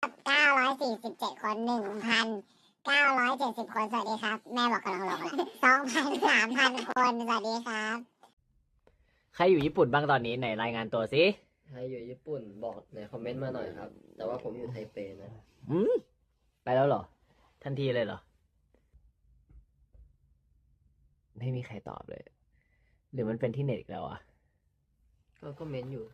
947 คน1,970 คนสวัสดีครับแม่บอกกำลังลงละ2,000 3,000 คนสวัสดีครับใครอยู่ญี่ปุ่นบ้างตอนนี้ไหนรายงานตัวสิใครอยู่ญี่ปุ่นบอกในคอมเมนต์มาหน่อยครับ แต่ว่าผมอยู่ไทเปนะไปแล้วเหรอ ทันทีเลยเหรอ ไม่มีใครตอบเลย หรือมันเป็นที่เน็ตอีกแล้วอ่ะก็เมนต์อยู่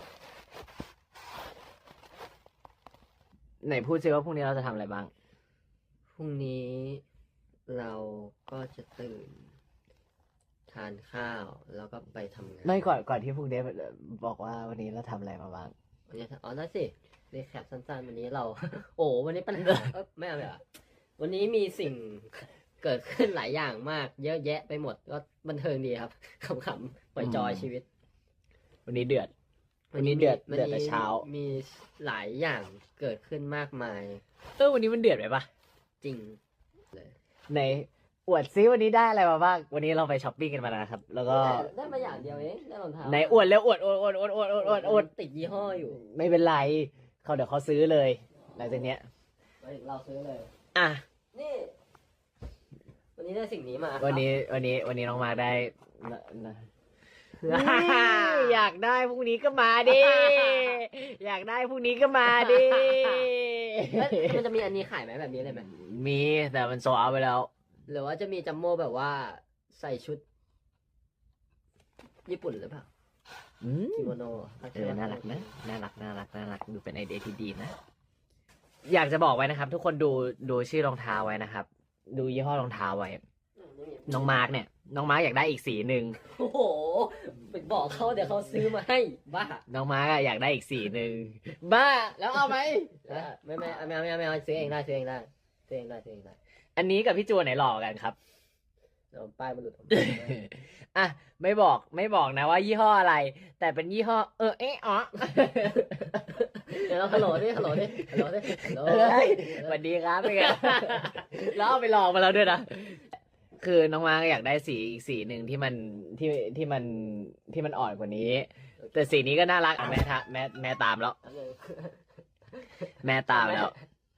ไหนพูดซิว่าพรุ่งนี้เราจะทำอะไรบ้างพรุ่งนี้เราก็จะตื่น ทานข้าวแล้วก็ไปทำงานไม่ก่อนที่พรุ่งนี้บอกว่าวันนี้เราทำอะไรมาบ้างวันนี้อ๋อได้สิเรียกแคปสั้นๆวันนี้เรา โอ้วันนี้ปัญหาไม่เอาแบบวันนี้มีสิ่งเกิดขึ้นหลายอย่างมาก เยอะแยะไปหมดก็บันเทิงดีครับขำๆปล่อยจอยชีวิตวันนี้เดือด วันนี้เดือดแต่เช้ามีหลายอย่างเกิดขึ้นมากมายวันนี้มันเดือดไปปะจริงไหนอวดซิวันนี้ได้อะไรมาบ้าง วันนี้เราไปช้อปปิ้งกันมานะครับ แล้วก็ได้มาอย่างเดียวเองได้รองเท้าไหนอวดแล้วอวดติดยี่ห้ออยู่ไม่เป็นไรเดี๋ยวเขาซื้อเลยหลังจากเนี้ยเราซื้อเลยอ่ะนี่ วันนี้ได้สิ่งนี้มาวันนี้น้องมาร์คได้อยากได้พรุ่งนี้ก็มาดิ อยากได้พรุ่งนี้ก็มาดิมันจะมีอันนี้ขายไหมแบบนี้เลยไหมมีแต่มันโซเอาไปแล้วหรือว่าจะมีจัมโม่แบบว่าใส่ชุด ญี่ปุ่นหรือเปล่ากิโมโนน่ารักนะน่ารักดูเป็นไอเดียที่ดีนะ อยากจะบอกไว้นะครับ ทุกคนดูชื่อรองเท้าไว้นะครับ ดูยี่ห้อรองเท้าไว้ น้องมาร์กอยากได้อีกสีหนึ่งโอ้โหไปบอกเขาเดี๋ยวเขาซื้อมาให้บ้าน้องมาร์กอยากได้อีกสีหนึ่งบ้าแล้วเอาไหมไม่เอาซื้อเองได้ซื้อเองได้อันนี้กับพี่จูนไหนหล่อกันครับเดี๋ยวป้ายมันหลุดอ่ะไม่บอกนะว่ายี่ห้ออะไร แต่เป็นยี่ห้ออ๋อเดี๋ยวเราฮัลโหลดิสวัสดีครับเป็นไง แล้วเอาไปลองมาแล้วด้วยนะคือน้องมาร์กอยากได้สีอีกสีหนึ่งที่มันอ่อนกว่านี้ แต่สีนี้ก็น่ารักแม่ตามแล้ว แม่ตามแล้ว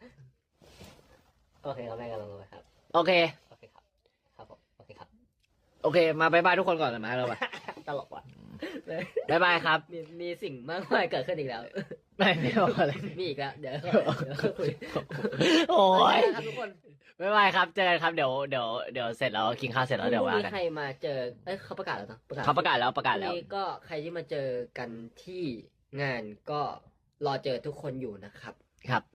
โอเคครับแม่กำลังลงไปครับโอเคโอเคครับ ครับผมโอเคครับโอเค มาบายบายทุกคนก่อนเลยมาเราไปตลกว่ะบายบายครับมีสิ่งมากมายเกิดขึ้นอีกแล้วไม่บอกอะไรมีอีกแล้ว เดี๋ยวคุยโอ้ยครับทุกคนบายบายครับเจอกันครับเดี๋ยวเสร็จแล้วกินข้าวเสร็จแล้วเดี๋ยวว่าพรุ่งกันนี้ใครมาเจอเขาประกาศแล้วเนอะเขาประกาศแล้วพรุ่งนี้ก็ใครที่มาเจอกันที่งานก็รอเจอทุกคนอยู่นะครับครับ